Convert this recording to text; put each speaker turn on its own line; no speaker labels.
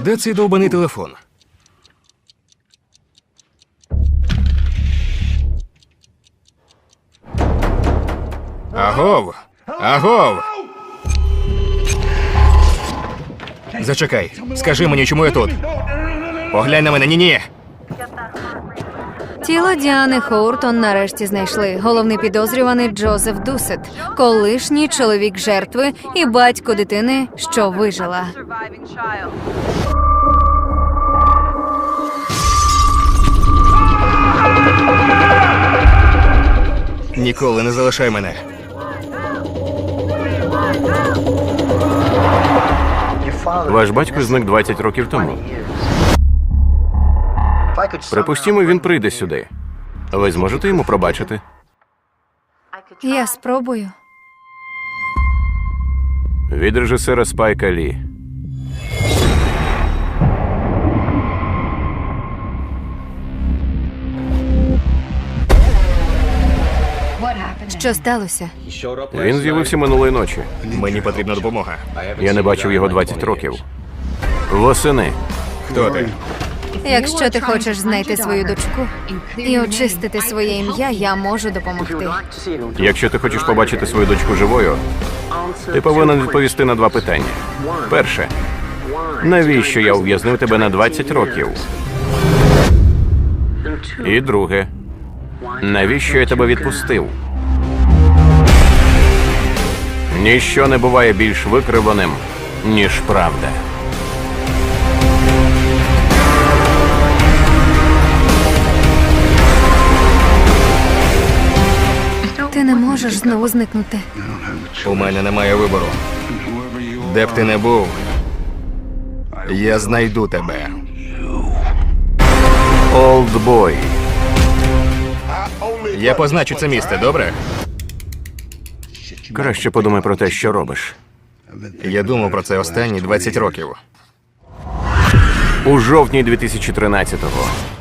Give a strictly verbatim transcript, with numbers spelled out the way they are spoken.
Де цей довбаний телефон? Агов! Агов! Зачекай, скажи мені, чому я тут? Поглянь на мене, ні-ні!
Тіло Діани Хоуртон нарешті знайшли. Головний підозрюваний Джозеф Дусет, колишній чоловік жертви і батько дитини, що вижила.
Ніколи не залишай мене.
Ваш батько зник двадцять років тому. Припустімо, він прийде сюди. Ви зможете йому пробачити?
Я спробую.
Від режисера Спайка Лі.
Що сталося?
Він з'явився минулої ночі.
Мені потрібна допомога.
Я не бачив його двадцять років. Восени.
Хто ти?
Якщо ти хочеш знайти свою дочку і очистити своє ім'я, я можу допомогти.
Якщо ти хочеш побачити свою дочку живою, ти повинен відповісти на два питання. Перше. Навіщо я ув'язнив тебе на двадцять років? І друге. Навіщо я тебе відпустив? Ніщо не буває більш викривленим, ніж правда.
Ти не можеш знову зникнути.
У мене немає вибору. Де б ти не був, я знайду тебе.
Олдбой.
Я позначу це місце, добре?
Краще подумай про те, що робиш.
Я думав про це останні двадцять років.
У жовтні дві тисячі тринадцятого